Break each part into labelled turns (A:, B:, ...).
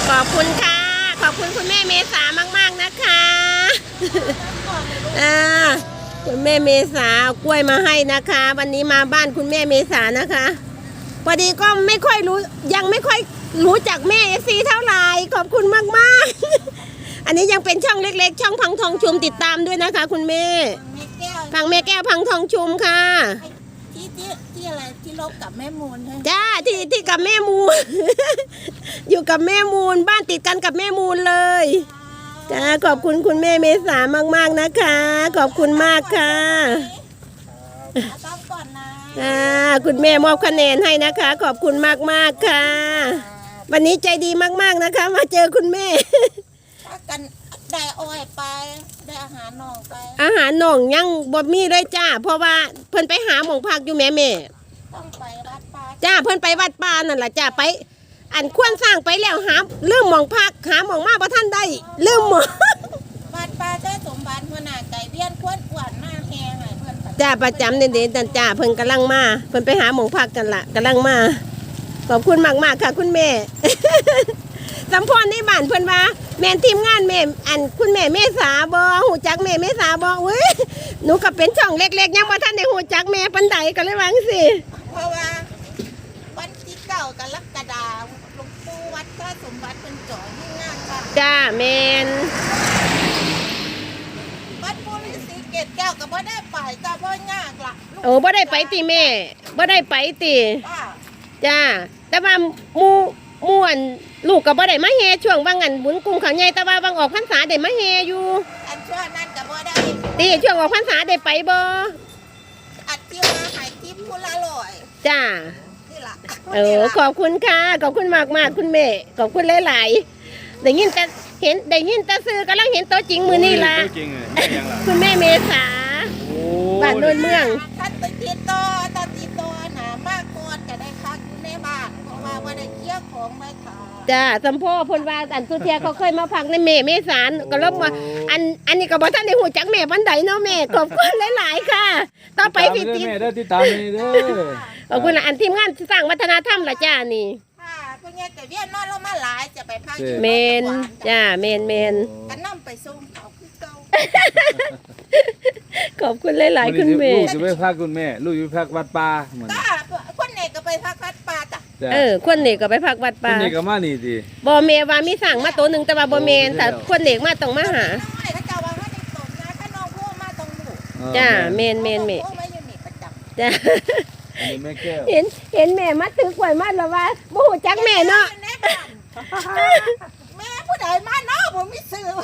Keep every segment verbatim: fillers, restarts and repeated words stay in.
A: ขอบคุณค่ะขอบคุณคุณแม่เมษามากๆนะคะอ่าคุณแม่เมษาเอากล้วยมาให้นะคะ วันนี้มาบ้านคุณแม่เมษานะคะพอดีก็ไม่ค่อยรู้ยังไม่ค่อยรู้จักแม่เอซีเท่าไหร่ขอบคุณมากๆอันนี้ยังเป็นช่องเล็กๆช่องพังทองชุมติดตามด้วยนะคะคุณแม่พังแม่แก้วพังทองชุมค่ะ
B: ที่ที่ที่อะไรที่ลบกับแม่มูลใช่ไหม
A: จ้าที่ที่กับแม่มูล อยู่กับแม่มูลบ้านติดกันกับแม่มูลเลยจ้าขอบคุณคุณแม่เมษามากๆนะคะขอบคุณมากค่ะ
B: ต้องก่อนนะ
A: อ่าคุณแม่มอบคะแนนให้นะคะ ขอบคุณมากๆค่ะวันนี้ใจดีมากๆนะคะ มาเจอคุณแม่
B: กันได้อ้อยไปได้อาหารน่องไป
A: อาหารน่องยังบ่มีเลยจ้าเพราะว่าเพิ่นไปหาหมองพักอยู่แม่แม่
B: ต้องไปวัดป่า
A: จ้าเพิ่นไปวัดป่านั่นแหละจ้าไปอันควรสร้างไปแล้วหาลืมหมองพักหาหมองมาบ่ท่านได้ลืมหมอง
B: วัดป่าได้สมบัติหัวหน้าไก่เบี้ยนควรอ้วนหน้าแห้งให้เพิ่น
A: จ้าประจำเด่นๆนั่นจ้าเพิ่นกำลังมาเพิ่นไปหาหมองพักกันละกำลังมาขอบคุณมากๆค่ะคุณแม่สัมพรในบ้านเพิ่นว่าแม่ทีมงานแม่อันคุณแม่เมษาบ่หูจักแม่เมษาบ่อุ้ยหนูก็เป็นช่องเล็กๆยังบ่ทันได้หูจักแม่ปานใดก็เลยว่าจังซี่
B: เพราะว่าวันที่เก้ากรกฎาคมหลวงปู่วัดท่าสมบัติเป็นจ่อให้งานค่ะ
A: จ้าแม่น
B: วัดปู่ฤาษีเกศแก้วก็บ่ได้ไปจ้าบ่ยากล่ะ
A: โอ้บ่ได้ไปติแม่บ่ได้ไปติ
B: จ้า
A: จ้าแต่ว่าหมู่ม่วนลูกก็บ่ได้มาแห่ช่วงว่างอันบุญกรุงเขาใหญ่แต่ว่าบางออกพรรษาได้มาแห่อยู่
B: อันช่วงนั้นก็บ่ได้
A: ติช่วงออกพรรษาได้ไปบ่
B: อัดที่มาให้ทิปผู้ละร้อย
A: จ้า
B: นี่ล่ะ
A: เออขอบคุณค่ะขอบคุณมากๆคุณแม่ขอบคุณหลายๆได้ยินแต่เห็นได้ยินแต่ซื้อกำลังเห็นตัวจริงมื้อนี้ล่ะคุณแม่เมษาบ้านโนนเมือง
B: ท่านติดต่อท่านติดต่อหามากก่อนจะได้พักอยู่ในบ้านเพราะว่าบ่ได้เกี่ยวของไม่ขา
A: จ้าสัมพ่อพลว่าอันสุเทียเขาเคยมาพักในแม่เมษาก็ลบมาอันอันนี้ก็บอกท่านในหูจักแม่ปันไดเนาะแม่ขอบคุณหลายๆค่ะต่อไปพี่ติ๊ก
C: แม่ได้ติดตามนี่เด้อ
A: ขอบคุณอันทีมงานสร้างวัฒนธรรมละจ้านี่
B: ค่ะพวกนี้แต่เวียนนอนเรามาหลายจะไปพักอยู่
A: เมนจ้าเมนเมน
B: กันนั่งไปส่งเขาคือเก่า
A: ขอบคุณหลายๆคุณแม่
C: ลูกจะไปพักคุณแม่ลูกอยู่พักวัดป่าเหมือน
B: คนเนกก็ไปพักวัดป่าจ้ะ
A: เออคนเนกก็ไปพักวัดป่า
C: คนเนกก็มานี่สิ
A: บ่เมว่ามีสั่งมาตัวหนึ่งแต่ว่าบ่เมนแต่คนเนกมาต้องมาหาจ้าเมนเมนเมจ้าเห็นเห็นแม่มาถือกล้วยมาแล้วว่าบ่ฮู้จักแม่เนาะ
B: แม่ผู้ใดมาเนาะผมมีซื้อ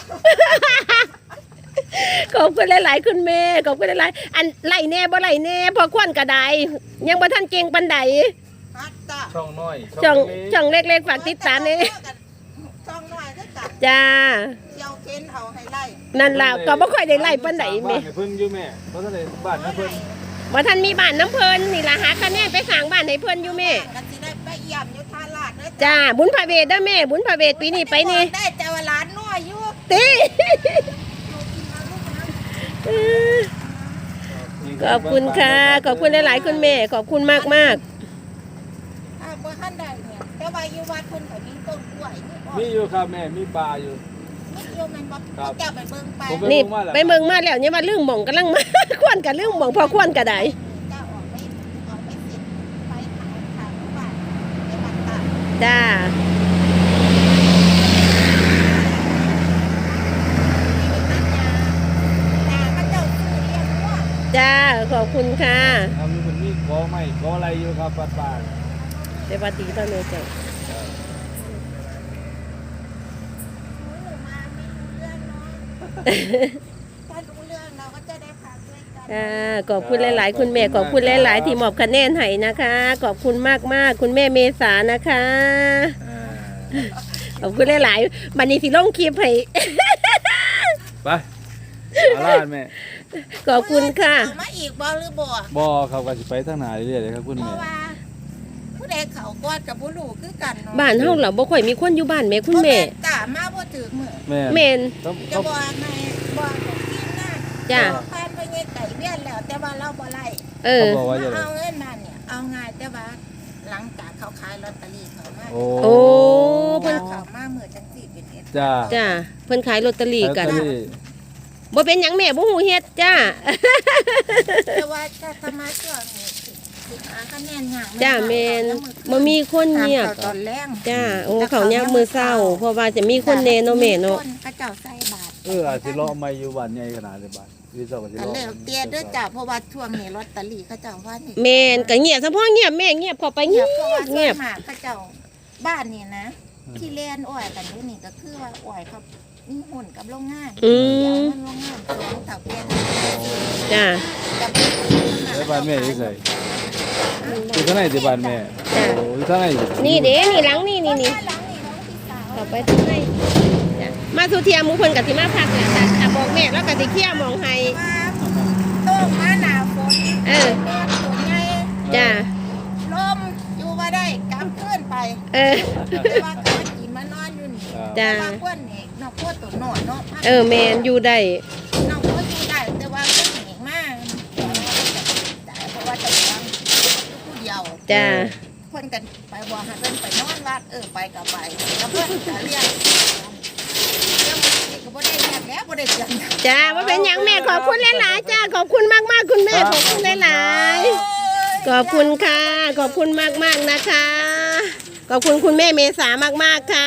A: ขอบคุณหลายๆคุณแม่ขอบคุณหลายๆอันไล่แน่บ่ไล่แน่พอควนกระไดยังบ่ทันเก่งปานใด
C: ช่องน้อย
A: ช่องช่องเล็กๆฝากติดตามนี่
B: ช่องน้อยก็จัด
A: จ้า
B: เกี่ยวเค้นเอาให้ไล่
A: นั่นล่ะก็บ่ค่อยได้ไล่ปานใดแม่
C: บ้านเพิ่นอยู่แม่เพราะท่านได้บ้านน้ำเพิ่น
A: บ่ทันมีบ้านน้ำเพิ่นนี่ล่ะหาคะแนนไปสร้างบ้านให้เพิ่นอยู่แม่
B: ก็สิได้ไปเยี่ยมอยู่ท่าลาดเด้อ
A: จ้าบุญพระเวทเด้อแม่บุญพระเวทปีนี้ไปนี่
B: ได้แต่ว่าหลานน้อยอยู่
A: ติขอบคุณค่ะขอบคุณหลายๆคุณแม่ขอบคุณมากมาก
B: อ่าบ่ทันได้เนี่ยแต่ว่าอยู่วัดเพิ่นก็มีต้นกล้วย
C: มีอยู่ครับแม่มีปลาอยู่
B: มีอยู่แม่นบ่เจ้าไปเบิ่งไป
A: นี่ไปเบิ่งมาแล้วเนี่ยว่าเรื่องหม่องกำลังมาควนกับเรื่องหม่องพอควนก็ได้
B: เจ้าออกไปออกไปสิไปขายขายบ้านในบ้านตา
A: จ้าจ้าขอบคุณค่ะ
C: เอามีคนมีกอไม้กออะไรอยู่ครับป้าป้า
A: เดี๋ยวปฏิตอนนี้จ้ะ
B: ถ้ารู้เรื่องเราก็จะได้พักด้วยกัน
A: อ่าขอบคุณหลายๆคุณแม่ขอบคุณหลายๆที่มอบคะแนนให้นะคะขอบคุณมากๆคุณแม่เมษานะคะขอบคุณหลายๆวันนี้สิลงคลิปให้
C: ไปอาลาดแม่
A: ขอบคุณค่ะ
B: มาอีกบ่หรือบ่
C: บ่ครับก็สิไปทางไหนเรื่อยๆเลยครับคุณแม่
B: ผู้ใดเขากอดกับผู้ลูกคือกัน
A: บ้านเฮาเหรอบ่ค่อยมีคนอยู่บ้านแม่คุณแม่
B: จ้ามาบ่ถึงมื้อ
A: แม่น
B: จะบ่ให้บ่ของกินนะ
A: จ้า
B: พานไปเฮ็ดไก่เวียนแล้วแต่ว่าเราบ่ไล่
A: เออ
B: เอาเงินมาเนี่ยเอาง่ายแต่ว่าหลังจากเขาขายลอตเตอรี่เขามา
A: โอ้
B: เพิ่นเขามามื้อจะจังสี่เป็นเอ็ด
C: จ้า
A: จ้าเพิ่นขายลอตเตอรี่กัน
C: ลอตเตอรี่
A: บ่เป็นหยังแม่บ่ฮู้เฮ็ดจ้า
B: แต่ว่าถ้าสมาช่วงนี้สิหาคะแนนห่าง
A: จ้าแม่นบ่มีคนเงียบ
B: ตอนแรก
A: จ้าโอ้เขายามมื้อเช้าเพราะว่าจะมีคนแน่เนาะแม่เนาะ
B: พระเจ้าใส่บาตร
C: เอออาจสิเลาะไม่อยู่บ้านใหญ่ขนาดนี้บ้านวิศวะสิ
B: แต่
C: เลาะ
B: แล้วเตี้ยเด้อจ้าเพราะว่าช่วงนี้ลอตเตอรี่เขาเจ้าว่านี่
A: แม่นก็เงียบเฉพาะเงียบแม่เงียบเข้าไปเงี
B: เงี
A: ย
B: ย
A: บบ
B: เพราะว่าส่
A: เงี
B: วย
A: บ
B: นมากเขาเจ้าบ้านนี่นะ ที่เล่นอ้อยกันอยู่นี่ก็คือว่าอ้อยเขามีหุ่นกับโรงงาน
A: อื
B: เดี๋ยว
A: ม
B: มันโรงงานสองเต่าเตี้ย
A: จ้า
B: กับ
C: แล้วบ้านแม่อยู่ไสอยู่ข้างในสิบ้านแม่
A: จ้า
C: โอ้อยู่ข้างในสิ
A: นี่เด้นี่หลังนี่นี่นี่
B: หลังนี่น้องพี่สาว
A: เข้าไปทางในจ้ะมาสุเทียมมุเพิ่นก็สิมาพักแหละจ้ะถ้าบอกแม่แล้วก็สิเคลียร์หมองให้
B: ว่าโต้งมาหนาวฝน
A: เออ
B: แม่ตัวใหญ่
A: จ้า
B: ลมอยู่ว่าได้กลับขึ้นไป
A: เออ
B: แต่ว่าก็มากินมานอนอยู่นี่
A: จ้ะ
B: แต่ว่าพวกนี่นอกพวกตัวหนอนเนาะ
A: เออแม่นอยู่ได้
B: นอกพวกอยู่ได้แต่ว่าพวกนี่มากแต่เพราะว่าจะวางผู้เดียว
A: จ้า
B: เพิ่นกันไปบ่ให้เพิ่นไปนอนวัดเออไปก็ไปแล้วเพิ่นก็เรียกเรื่องนี้ก็บ่ได้เรียกแล้วบ่ได้เตือน
A: จ้าว่าเป็นหยังแม่ขอบคุณหลายๆจ้าขอบคุณมากๆคุณแม่ขอบคุณหลายๆขอบคุณค่ะ ขอบคุณมากๆนะคะ ขอบคุณคุณแม่เมษามากๆค่ะ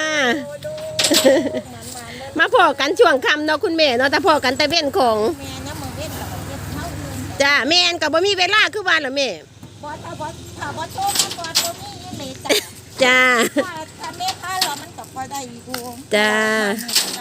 A: มาพอกันช่วงค่ำเนาะคุณแม่เนาะแต่พอกันแต่เว้นของ
B: แม่เนี่ยมึงเว้นกับเฮ็ดเท่านึง
A: จ้าแม่นก็บ่มีเวลาคือว่าล่ะแม่
B: บ่ถ้าบ่ถ้าบ่โชคมันบ่บ่มีอยู่เลยจ้ะ
A: จ้า
B: ถ้าถ้าแม่พาเรามันก็บ่ได้อยู่
A: จ้า
B: บ้านนี่ก็